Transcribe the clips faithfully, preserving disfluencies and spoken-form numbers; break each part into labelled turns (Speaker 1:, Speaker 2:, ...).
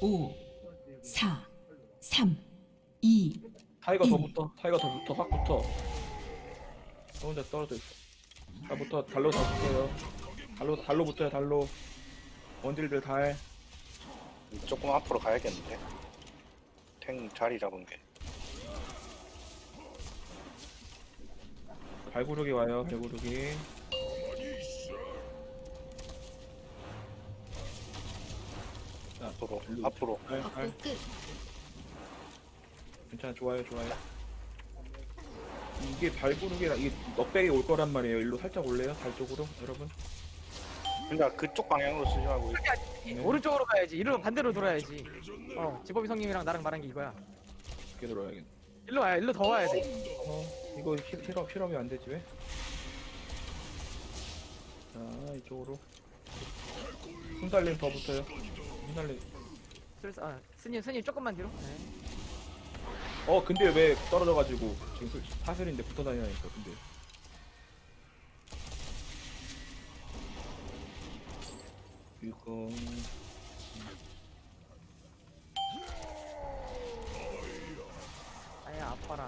Speaker 1: 오, 사, 삼, 이,
Speaker 2: 타이거 더
Speaker 1: 일.
Speaker 2: 붙어. 타이거 더 붙어. 확 붙어. 저 혼자 떨어져 있어. 다 붙어. 달로 다 붙어요. 달로 달로 붙어요. 달로. 원딜들 달.
Speaker 3: 조금 앞으로 가야겠는데. 탱 자리 잡은 게.
Speaker 2: 발구르기 와요. 발구르기. 자,
Speaker 3: 앞으로,
Speaker 2: 일로.
Speaker 3: 앞으로.
Speaker 2: 달, 달.
Speaker 1: 벚꽃 끝.
Speaker 2: 괜찮아. 좋아요. 좋아요. 이게 발구르기라 이게 넉백이 올 거란 말이에요. 일로 살짝 올래요. 달 쪽으로 여러분.
Speaker 3: 그러니까 그쪽 방향으로 쓰지 말고
Speaker 2: 네.
Speaker 4: 오른쪽으로 가야지. 이리로 반대로 돌아야지. 어, 지법이 성님이랑 나랑 말한 게 이거야.
Speaker 2: 이렇게 들어야겠네.
Speaker 4: 일로 와야, 일로 더 와야 돼.
Speaker 2: 어, 이거 힐, 힐업, 힐업이 안 되지 왜? 자, 이쪽으로. 순달림 더 붙어요. 순달림.
Speaker 4: 슬, 아, 스님, 스님 조금만 뒤로. 네.
Speaker 2: 어, 근데 왜 떨어져가지고 지금 술- 사슬인데 붙어 다니니까 근데. 이거
Speaker 4: 아야, 아파라.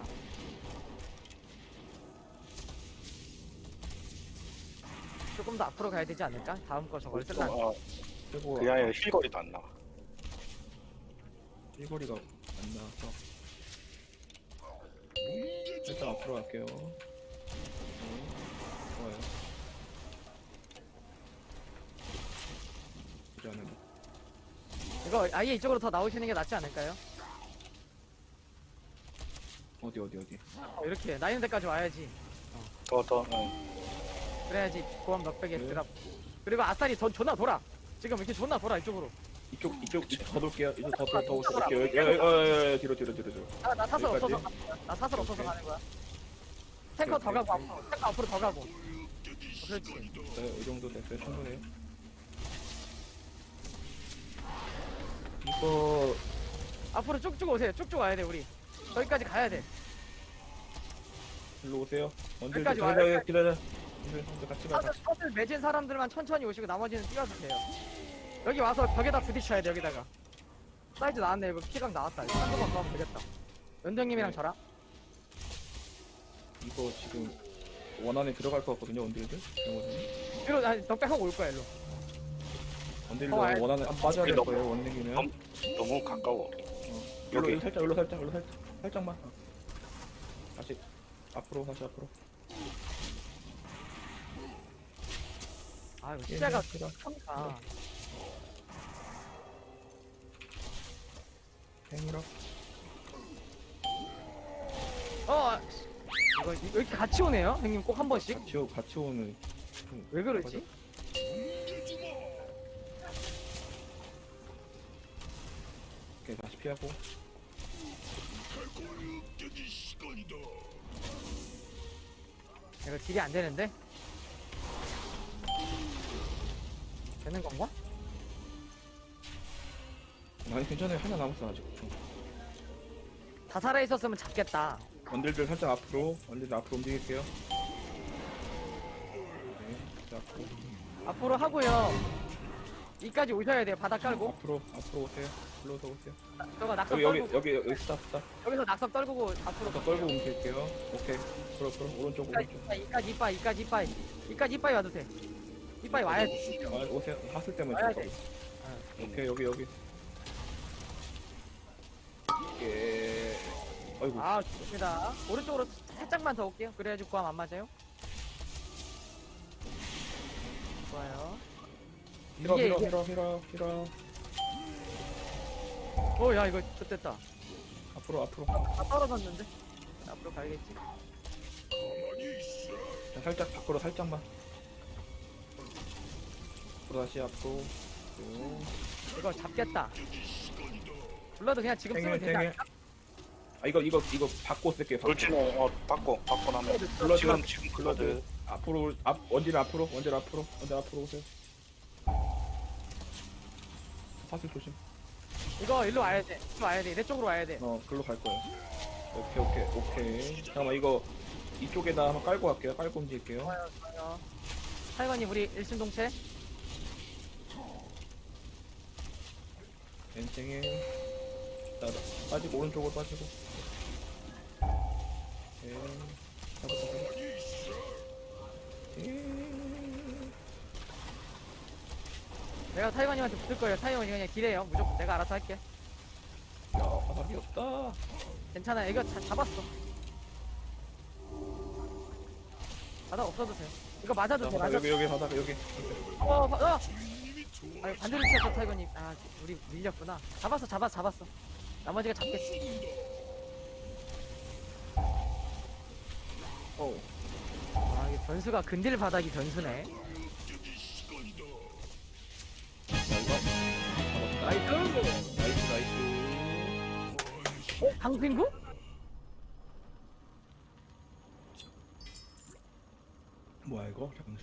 Speaker 4: 조금 더 앞으로 가야 되지 않을까? 다음 거 저걸 쓸라.
Speaker 3: 어,
Speaker 2: 최고.
Speaker 3: 그 아예 힐거리도 안 나와.
Speaker 2: 일거리가 안 나와서. 일단 앞으로 갈게요. 네, 좋아요. 보지 않은 거.
Speaker 4: 이거 아예 이쪽으로 더 나오시는 게 낫지 않을까요?
Speaker 2: 어디 어디 어디.
Speaker 4: 어, 이렇게 나 있는 데까지 와야지.
Speaker 3: 더, 더, 응.
Speaker 4: 그래야지 고함 넉백에
Speaker 2: 네.
Speaker 4: 드랍. 그리고 아싸리 전 존나 돌아. 지금 이렇게 존나 돌아 이쪽으로.
Speaker 2: 이쪽 이쪽 이쪽 더 돌게요. 이쪽 더더더 오실게요. 여기 여기 여기 여기 뒤로 뒤로 뒤로 뒤로.
Speaker 4: 아, 나 사슬
Speaker 2: 여기까지?
Speaker 4: 없어서 가- 나 사슬 없어서
Speaker 2: 오케이.
Speaker 4: 가는 거야. 탱커 더
Speaker 2: 오케이,
Speaker 4: 가고
Speaker 2: 오케이.
Speaker 4: 앞으로 탱커 앞으로 더 가고. 어, 그렇지.
Speaker 2: 네, 이 정도 됐어요. 충분해요. 이거
Speaker 4: 앞으로 쭉쭉 오세요. 쭉쭉 와야 돼 우리. 저기까지 가야 돼.
Speaker 2: 일로 오세요. 언제
Speaker 4: 여기까지
Speaker 2: 기다려
Speaker 4: 와요.
Speaker 2: 기다려. 기다려. 언제 같이 가.
Speaker 4: 사슬, 사슬 맺은 사람들만 천천히 오시고 나머지는 뛰어서 돼요. 여기 와서 벽에다 부딪혀야 돼 여기다가. 사이즈 나왔네. 이거 키각 나왔다. 이거 한 번만 더 하면 되겠다. 연정님이랑
Speaker 2: 네.
Speaker 4: 저랑.
Speaker 2: 이거 지금 원 안에 들어갈 것 같거든요. 원딜들. 이거는.
Speaker 4: 뒤로 아니 넉백하고 올 거야 일로.
Speaker 2: 원딜들
Speaker 4: 어, 알-
Speaker 2: 원 안에 안 빠져야 될
Speaker 3: 너무-
Speaker 2: 거예요. 원딜이면.
Speaker 3: 너무, 너무 가까워.
Speaker 2: 어. 여기
Speaker 3: 여기.
Speaker 2: 살짝, 여기로 살짝, 여기로 살짝, 살짝만. 어. 다시 앞으로, 다시 앞으로.
Speaker 4: 아 이거
Speaker 2: 예,
Speaker 4: 시야가
Speaker 2: 그래.
Speaker 4: 큽니다.
Speaker 2: 행이라.
Speaker 4: 어 이거 이거 이렇게 같이 오네요. 형님 꼭 한 번씩.
Speaker 2: 같이, 오- 같이 오는. 좀
Speaker 4: 왜 그러지?
Speaker 2: 오케이, 다시 피하고.
Speaker 4: 이거 딜이 안 되는데? 되는 건가?
Speaker 2: 아니, 괜찮아요. 하나 남았어, 아직. 어.
Speaker 4: 다 살아 있었으면 잡겠다.
Speaker 2: 원딜들 살짝 앞으로. 원딜들 앞으로 움직일게요. 네, 자, 앞으로.
Speaker 4: 앞으로 하고요. 이까지 오셔야 돼요. 바닥 깔고.
Speaker 2: 앞으로, 앞으로 오세요. 불러서 오세요.
Speaker 4: 저거 낙석
Speaker 2: 여기, 여기,
Speaker 4: 떨고
Speaker 2: 여기, 여기, 스탑, 스탑.
Speaker 4: 여기서 낙석 떨구고 앞으로
Speaker 2: 더 떨고 움직일게요. 오케이. 앞으로, 앞으로. 오른쪽,
Speaker 4: 이까지
Speaker 2: 오른쪽.
Speaker 4: 이까지 이까지 이빠이 이까지 이빠이 이까지 이빠이 와도 돼. 이빠이 와야 돼.
Speaker 2: 아, 오세요. 하슬 때문에
Speaker 4: 와야
Speaker 2: 잠깐.
Speaker 4: 돼.
Speaker 2: 오케이, 여기, 여기. 예. 아이고.
Speaker 4: 아 좋습니다. 오른쪽으로 살짝만 더 올게요. 그래야지 구함 안 맞아요. 좋아요.
Speaker 2: 히러,
Speaker 4: 이게
Speaker 2: 히러,
Speaker 4: 이게
Speaker 2: 히러, 히러, 히러.
Speaker 4: 어야 이거 좋됐다.
Speaker 2: 앞으로, 앞으로.
Speaker 4: 다 떨어졌는데. 앞으로 가야겠지.
Speaker 2: 자, 살짝 밖으로 살짝만. 앞으로 다시 앞으로. 쭉.
Speaker 4: 이거 잡겠다. 불러도 그냥 지금 쓰면
Speaker 2: 탱일,
Speaker 4: 되지
Speaker 2: 탱일.
Speaker 4: 않을까?
Speaker 2: 아, 이거, 이거, 이거 받고 쓸게요. 받고.
Speaker 3: 돌진은, 어, 받고, 받고 나면.
Speaker 2: 블러드,
Speaker 3: 지금, 지금
Speaker 2: 블러드.
Speaker 3: 블러드.
Speaker 2: 앞으로, 앞, 원딜 앞으로, 원딜 앞으로, 원딜 앞으로 오세요. 사슬 조심.
Speaker 4: 이거 일로 와야 돼. 일로 와야 돼. 내 쪽으로 와야 돼.
Speaker 2: 어, 글로 갈 거예요. 오케이, 오케이, 오케이. 잠깐만, 이거, 이쪽에다 한번 깔고 갈게요. 깔고 움직일게요.
Speaker 4: 좋아요, 좋아요. 사이관님 우리 일심동체.
Speaker 2: 엔생에 나 빠지고 오른쪽으로 빠지고. 예. 잡았다 잡았다. 예.
Speaker 4: 내가 타이거님한테 붙을 거예요. 타이거님 그냥 딜해요. 무조건 내가 알아서 할게.
Speaker 2: 야 바닥이 없다.
Speaker 4: 괜찮아. 이거 자, 잡았어. 바닥 없어도 돼. 이거 맞아도
Speaker 2: 자,
Speaker 4: 돼.
Speaker 2: 바닥,
Speaker 4: 맞아.
Speaker 2: 여기 여기 바닥 여기.
Speaker 4: 어, 바, 어. 아니 반대로 튀었어 타이거님. 아 우리 밀렸구나. 잡았어, 잡았어, 잡았어. 나머지가 잡겠지.
Speaker 2: 어.
Speaker 4: 아 이게 변수가 근딜 바닥이 변수네.
Speaker 2: 나이스.
Speaker 4: 나이스.
Speaker 2: 나이스 나이스.
Speaker 4: 어? 강pin구?
Speaker 2: 뭐야 이거? 잠시.